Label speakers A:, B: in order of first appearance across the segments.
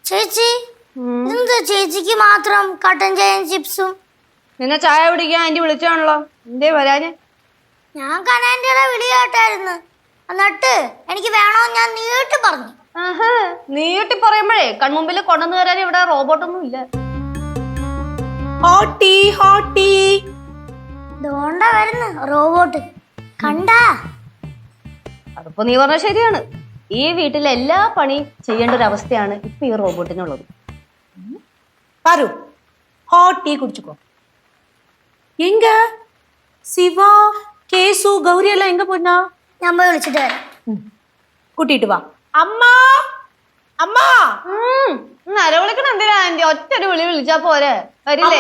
A: ചേച്ചി എന്താ ചേച്ചിക്ക് മാത്രം കട്ടൻ ചായയും ചിപ്സും?
B: നിന്നെ ചായ പിടിക്കാൻ ആന്റി വിളിച്ചാണല്ലോ, എന്തേ വരാന്?
A: ഞാൻ കനാൻറ്റിയുടെ വിളി കേട്ടായിരുന്നു. എന്നിട്ട് എനിക്ക് വേണോന്ന് ഞാൻ നീട്ടി പറഞ്ഞു.
B: നീട്ടി പറയുമ്പോഴേ കൺമുമ്പിൽ കൊണ്ടുവന്നു തരാൻ ഇവിടെ റോബോട്ടൊന്നും ഇല്ല.
C: ഹോട്ടി ഹോട്ടി
A: ഇതുകൊണ്ട വരുന്നു റോബോട്ട്. കണ്ടാ?
B: അതിപ്പോ നീ പറഞ്ഞ ശരിയാണ്. ഈ വീട്ടിലെ എല്ലാ പണി ചെയ്യേണ്ട ഒരു അവസ്ഥയാണ് ഇപ്പൊ ഈ റോബോട്ടിനുള്ളത്.
C: பாரு ஹாட் டீ குடிச்சுக்கோ. எங்க சிவா கேசு கௌரி எல்லாம் எங்க போனா?
A: ഞാൻ പോയി വിളിച്ചിട്ട് വരാം.
C: கூட்டிட்டு வா. அம்மா அம்மா
B: നരവിളിക്കണം എന്തിനാ ആന്റി? ഒറ്റൊരു വിളി വിളിച്ചാ പോരെ, വരില്ലേ?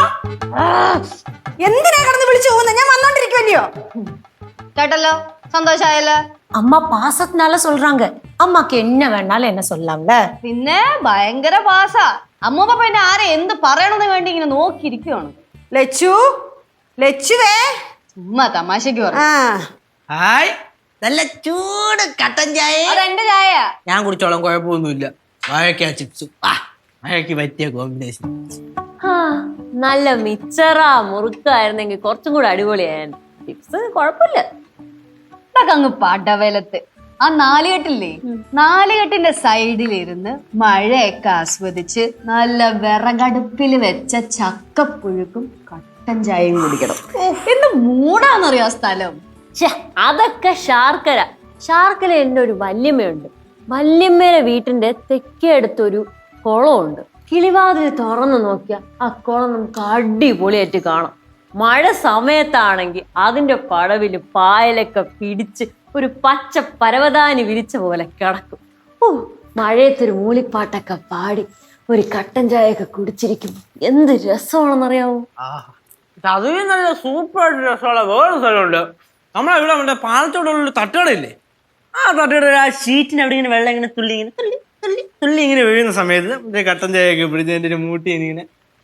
C: എന്തിനാ കടന്ന് വിളിച്ചു പോകുന്നത്? ഞാൻ വന്നോണ്ടിരിക്കുവല്ലയോ.
B: കേട്ടല്ലോ, സന്തോഷായല്ലോ.
C: அம்மா பாசத்தினால சொல்றாங்க. அம்மாக்கு என்ன வேணாலும் என்ன சொல்லலாம்ல.
B: പിന്നെ ഭയങ്കര പാസാ. അമ്മൂപ്പ പിന്നെ ആരെ എന്ത് പറയണമെന്ന് വേണ്ടി ഇങ്ങനെ നോക്കിയിരിക്കുവാണ്.
C: ലച്ചു ലച്ചുവേ
B: ചുമ്മാ തമാശക്ക് പറഞ്ഞു.
D: ഹായ്, നല്ല ചൂട് കട്ടൻ ചായ.
B: അതെന്റെ ചായ.
D: ഞാൻ കുടിച്ചോളാം, കുഴപ്പമൊന്നുമില്ല. വാഴയ്ക്ക ചിപ്സും വാഴയ്ക്ക് പറ്റിയ കോമ്പിനേഷൻ.
E: നല്ല മിച്ചറ മുറുക്കായിരുന്നെങ്കിൽ കുറച്ചും കൂടെ അടിപൊളിയായിരുന്നു. ചിപ്സ് കുഴപ്പമില്ല.
B: ഇതൊക്കെ അങ്ങ് പടവലത്ത് ആ നാലുകെട്ടില്ലേ, നാലുകെട്ടിന്റെ സൈഡിലിരുന്ന് മഴയൊക്കെ ആസ്വദിച്ച് നല്ല വിറകടുപ്പിൽ വെച്ച ചക്കപ്പുഴുക്കും കട്ടൻ ചായയും കുടിക്കണം. എന്ത് മൂടാന്നറിയോ ആ സ്ഥലം.
E: അതൊക്കെ ശാർക്കര. ശാർക്കര എന്റെ ഒരു വല്യമ്മയുണ്ട്. വല്യമ്മയുടെ വീട്ടിന്റെ തെക്കേ അടുത്തൊരു കുളമുണ്ട്. കിളിവാതിൽ തുറന്നു നോക്കിയാൽ ആ കുളം നമുക്ക് അടിപൊളിയായിട്ട് കാണാം. മഴ സമയത്താണെങ്കിൽ അതിന്റെ പടവില് പായലൊക്കെ പിടിച്ച് ഒരു പച്ച പരവതാനി വിരിച്ച പോലെ കിടക്കും. മഴയത്തൊരു മൂളിപ്പാട്ടൊക്കെ പാടി ഒരു കട്ടൻ ചായയൊക്കെ കുടിച്ചിരിക്കുമ്പോ എന്ത് രസമാണെന്നറിയാവോ.
D: അതിന് നല്ല സൂപ്പർ ആയിട്ട് രസമുള്ള വേറെ സ്ഥലമുണ്ട്. നമ്മളെ ഇവിടെ മറ്റേ പാലത്തോടുള്ള തട്ടുകടയില്ലേ, ആ തട്ടുകട ആ ഷീറ്റിന് അവിടെ ഇങ്ങനെ വെള്ളം ഇങ്ങനെ തുള്ളി ഇങ്ങനെ തുള്ളി തുള്ളി തുള്ളി ഇങ്ങനെ വീഴുന്ന സമയത്ത് മറ്റേ കട്ടൻ ചായയൊക്കെ പിടിച്ച് എൻ്റെ ഒരു മൂട്ടി ഇങ്ങനെ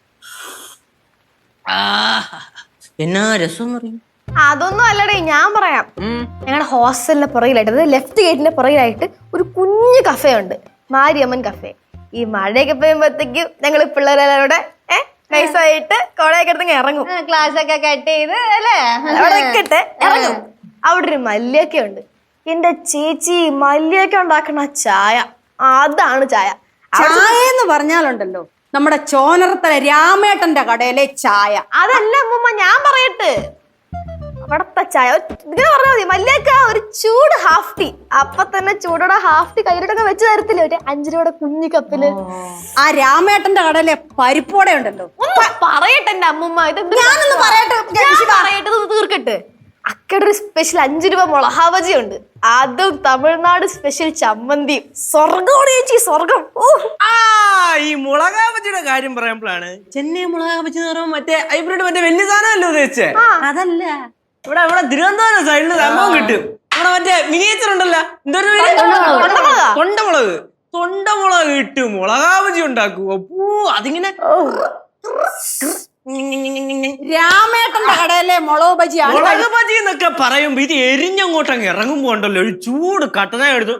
D: എന്നാ രസം പറയും.
F: അതൊന്നും അല്ലടേ, ഞാൻ പറയാം. ഞങ്ങളുടെ ഹോസ്റ്റലിന്റെ പുറകിലായിട്ട്, അതായത് ലെഫ്റ്റ് ഗേറ്റിന്റെ പുറകിലായിട്ട് ഒരു കുഞ്ഞു കഫേ ഉണ്ട്, മാരിയമ്മൻ കഫേ. ഈ മഴയൊക്കെ പെയ്യുമ്പോഴത്തേക്കും ഞങ്ങൾ പിള്ളേരെല്ലാവരുടെ നൈസായിട്ട് കോളയൊക്കെ എടുത്ത് ഇറങ്ങും.
B: ക്ലാസ് ഒക്കെ കട്ട് ചെയ്ത് അല്ലേ
F: അവിടെ നിൽക്കട്ടെ, ഇറങ്ങും. അവിടെ ഒരു മല്ലിയൊക്കെ ഉണ്ട്. എന്റെ ചേച്ചി മല്ലിയൊക്കെ ഉണ്ടാക്കണ ചായ, അതാണ് ചായ.
C: ചായ എന്ന് പറഞ്ഞാലുണ്ടല്ലോ നമ്മുടെ ചോനറത്തല രാമേട്ടന്റെ കടയിലെ ചായ.
F: അതല്ല അമ്മൂമ്മ, ഞാൻ പറയട്ടെ. അവിടത്തെ ചായ ഇങ്ങനെ പറഞ്ഞാൽ മതി. മല്ലിയൊക്കെ ഒരു ചൂട് ഹാഫ് ടീ, അപ്പൊ തന്നെ ചൂടോടെ ഹാഫ് ടീ കയ്യിലോട്ടൊക്കെ വെച്ച് തരത്തില്ല, ഒരു 5 രൂപയുടെ കുഞ്ഞു കപ്പില്.
C: ആ രാമേട്ടന്റെ കടയിലെ പരിപ്പോടെ ഉണ്ടല്ലോ.
F: പറയട്ടെ എന്റെ അമ്മൂമ്മ, ഇത്
C: ഞാനൊന്ന് പറയട്ടെ,
F: പറയട്ടെ, തീർക്കട്ടെ. അക്കടെ ഒരു സ്പെഷ്യൽ 5 രൂപ മുളക് ബജി ഉണ്ട്, അതും തമിഴ്നാട് സ്പെഷ്യൽ ചമ്മന്തിയും. സ്വർഗമാണ് ചേച്ചി, സ്വർഗം.
D: ഈ മുളകാ ബജിയുടെ കാര്യം പറയുമ്പോഴാണ് ചെന്നൈ മുളകാ ബജി എന്ന് പറയുമ്പോൾ മറ്റേ ഹൈബ്രിഡ് മറ്റേ വലിയ സാധനമല്ലോ ഉദ്ദേശിച്ചേ. അതല്ല, ഇവിടെ ഇവിടെ തിരുവനന്തപുരം സൈഡിൽ സംഭവം കിട്ടും. ഇവിടെ മറ്റേ മിനിയേച്ചർ ഉണ്ടല്ലോ, എന്തൊരു തൊണ്ടമുളക്, തൊണ്ടമുളക് ഇട്ട് മുളകാ ബജി ഉണ്ടാക്കും. അപ്പൂ അതിങ്ങനെ
C: രാമേട്ടന്റെ കടയിലെ മുളക് ബജിയാണ്.
D: മുളക് ബജി എന്നൊക്കെ പറയുമ്പോ ഇത് എരിഞ്ഞങ്ങോട്ടങ്ങ് ഇറങ്ങുമ്പോ ഉണ്ടല്ലോ ഒരു ചൂട് കട്ടന എടുത്തു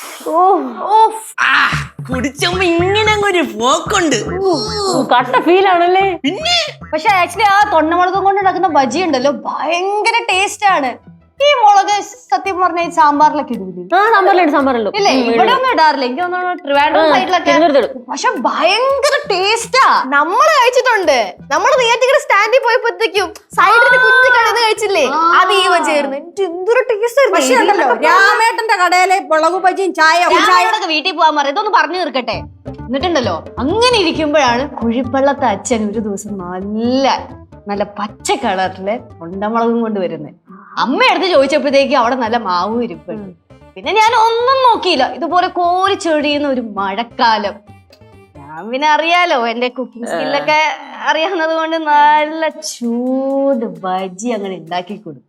D: കുടിച്ചപ്പോ ഇങ്ങനെ ഒരു പോക്കുണ്ട്.
E: കട്ട ഫീൽ ആണല്ലേ.
D: പിന്നെ
B: പക്ഷെ ആക്ച്വലി ആ തൊണ്ടമുളകും കൊണ്ട് ഉണ്ടാക്കുന്ന ബജി ഉണ്ടല്ലോ ഭയങ്കര ടേസ്റ്റ് ആണ്. ഈ മുളക് സത്യം പറഞ്ഞ സാമ്പാറിലൊക്കെ ഇടൂലേ?
E: സാമ്പാറിലുണ്ട്.
B: ഇല്ലേ, ഇവിടെ ഒന്നും ഇടാറില്ല. എനിക്ക് തോന്നുന്നു ട്രിവാൻഡ്രം സൈഡിലൊക്കെ. പക്ഷെ ഭയങ്കര ടേസ്റ്റാ.
F: നമ്മള് കഴിച്ചിട്ടുണ്ട്. നമ്മള് നേരത്തെ സ്റ്റാൻഡിൽ പോയപ്പോഴത്തേക്കും സൈഡിൽ കുഞ്ഞു കടന്ന് കഴിച്ചില്ലേ, അത് ഈ വജായിരുന്നു. എന്തൊരു ടേസ്റ്റ്.
C: പക്ഷേ ഉണ്ടല്ലോ രാമേട്ടന്റെ കടയിലെ മുളക് ബജിയും
B: ചായയോടൊക്കെ വീട്ടിൽ പോകാൻ പറയും. ഇതൊന്ന് പറഞ്ഞു തീർക്കട്ടെ. എന്നിട്ടുണ്ടല്ലോ അങ്ങനെ ഇരിക്കുമ്പോഴാണ് കുഴിപ്പള്ളത്തെ അച്ഛൻ ഒരു ദിവസം നല്ല പച്ച കളറില് കൊണ്ടമുളകും കൊണ്ട് വരുന്നത്. അമ്മ എടുത്ത് ചോദിച്ചപ്പോഴത്തേക്ക് അവിടെ നല്ല മാവും ഇരിപ്പുണ്ട്. പിന്നെ ഞാൻ ഒന്നും നോക്കിയില്ല, ഇതുപോലെ കോരി ചെടിയുന്ന ഒരു മഴക്കാലം. ഞാൻ പിന്നെ അറിയാലോ, എന്റെ കുക്കിംഗ് സ്കില്ലൊക്കെ അറിയാവുന്നത് കൊണ്ട് നല്ല ചൂട് ബജി അങ്ങനെ ഉണ്ടാക്കി കൊടുക്കും.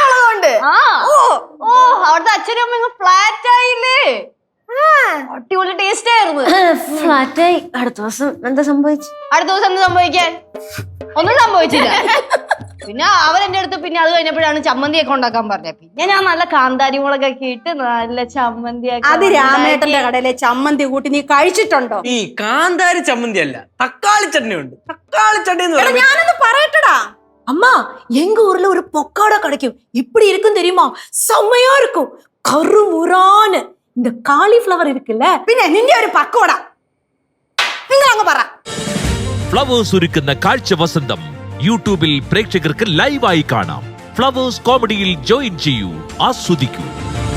B: അവിടുത്തെ അച്ഛനും അമ്മ ഫ്ലാറ്റ് ആയില്ലേ, അടിപൊളി ടേസ്റ്റ് ആയിരുന്നു.
E: ഫ്ലാറ്റായി. അടുത്ത ദിവസം എന്താ സംഭവിച്ചു?
B: അടുത്ത ദിവസം എന്ത് സംഭവിക്കാൻ? ഒന്നും സംഭവിച്ചില്ല. പിന്നെ അവൻ എന്റെ അടുത്ത് പിന്നെ അത് കഴിഞ്ഞപ്പോഴാണ് ചമ്മന്തിയൊക്കെ ഉണ്ടാക്കാൻ പറഞ്ഞത്. പിന്നെ ഞാൻ നല്ല കാന്താരി മുളകൊക്കെ ഇട്ട് നല്ല ചമ്മന്തിയൊക്കെ.
C: അത് രാമേട്ടന്റെ കടയിലെ ചമ്മന്തി കൂട്ടി നീ കഴിച്ചിട്ടുണ്ടോ?
D: ഈ കാന്താരി ചമ്മന്തി അല്ല, തക്കാളി ചട്നി ഉണ്ട്. തക്കാളി ചട്നി എന്ന് പറയുമ്പോ
C: ഞാനൊന്ന് പറയട്ടടാ.
G: அம்மா எங்க ஊர்ல ஒரு பொக்காடா கிடைக்கும். இப்படி இருக்கும் தெரியுமா? செம்மையா இருக்கும். கருமுறான்னு இந்த காலிஃப்ளவர் இருக்குல்ல,
C: പിന്നെ നിന്റെ ഒരു പക്കോട നിങ്ങൾ അങ്ങ് പറ.
H: ഫ്ലവേഴ്സ് ഒരുക്കുന്ന കാഴ്ച വസന്തം യൂട്യൂബിൽ പ്രേക്ഷകർക്ക് ലൈവായി കാണാം. ഫ്ലവേഴ്സ് കോമഡിയിൽ ജോയിൻ ചെയ്യൂ, ആസ്വദിക്കൂ.